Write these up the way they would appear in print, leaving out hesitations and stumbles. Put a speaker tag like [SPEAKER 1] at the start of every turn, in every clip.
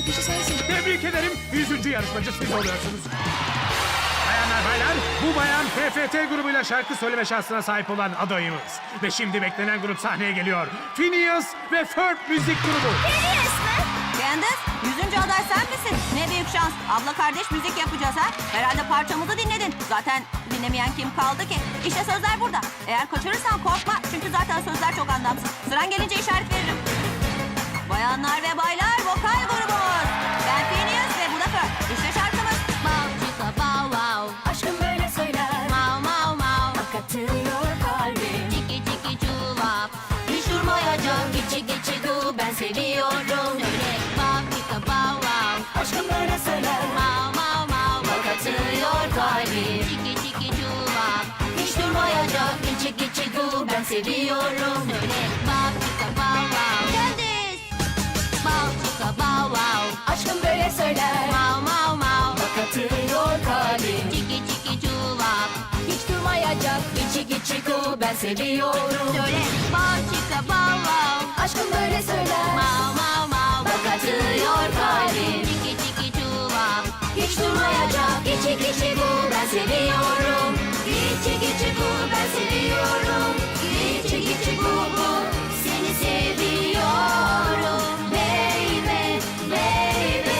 [SPEAKER 1] olan kişi sensin.
[SPEAKER 2] Tebrik ederim. 100. yarışmacı siz oluyorsunuz. Bayanlar baylar, bu bayan PFT grubuyla şarkı söyleme şansına sahip olan adayımız. Ve şimdi beklenen grup sahneye geliyor. Phineas ve Ferb müzik grubu.
[SPEAKER 3] Phineas mi?
[SPEAKER 4] Candace, 100. aday sen misin? Ne büyük şans. Abla kardeş müzik yapacağız ha. Herhalde parçamızı dinledin. Zaten dinlemeyen kim kaldı ki? İşte sözler burada. Eğer kaçırırsan korkma. Çünkü zaten sözler çok anlamsız. Sıran gelince işaret veririm. Bayanlar ve baylar, vokal grubumuz. Ben Phineas ve bu da Ferb. İşte şarkımız. Bow chicka bow wow.
[SPEAKER 3] Aşkım böyle söyler.
[SPEAKER 4] Mau mau mau.
[SPEAKER 3] Bak atıyor kalbim.
[SPEAKER 4] Çiki çiki çulap. Hiç durmayacak. Geçi geçi gu. Ben seviyorum. Söyle. Bow chicka bow wow.
[SPEAKER 3] Aşkım böyle söyler.
[SPEAKER 4] Mau mau mau.
[SPEAKER 3] Bak atıyor kalbim.
[SPEAKER 4] Çiki çiki çulap. Hiç durmayacak. Geçi geçi gu. Ben seviyorum. Söyle. Bow chicka bow wow. Candice. Bow chicka bow wow.
[SPEAKER 3] Aşkım böyle söyler.
[SPEAKER 4] Mau mau mau.
[SPEAKER 3] Bak atıyor kalbim.
[SPEAKER 4] Çiki çiki çulap.
[SPEAKER 3] Hiç durmayacak. Geçi geçi gu. Ben seviyorum.
[SPEAKER 4] Söyle. Bow chicka bow wow.
[SPEAKER 3] Aşkım böyle söyler.
[SPEAKER 4] Mau mau mau.
[SPEAKER 3] Bak atıyor kalbim.
[SPEAKER 4] Çiki çiki çulap.
[SPEAKER 3] Hiç durmayacak. Geçi geçi gu. Ben seviyorum. Geçi geçi gu. Ben seviyorum. Geçi geçi gu gu. Seni seviyorum. Baby, baby.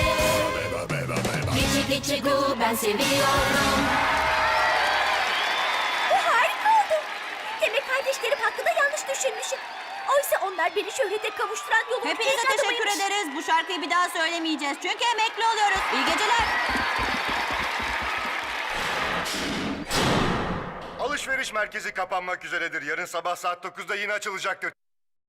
[SPEAKER 3] Geçi geçi gu. Ben seviyorum.
[SPEAKER 5] Bu harika oldu. Demek kardeşlerim hakkında yanlış düşünmüşüm. Oysa onlar beni şöhrete kavuşturan yolun
[SPEAKER 4] Hepinize
[SPEAKER 5] tek
[SPEAKER 4] teşekkür
[SPEAKER 5] adamıymış.
[SPEAKER 4] ederiz. Bu şarkıyı bir daha söylemeyeceğiz. Çünkü emekli oluyoruz. İyi geceler.
[SPEAKER 6] Alışveriş merkezi kapanmak üzeredir. Yarın sabah saat 9'da yine açılacaktır.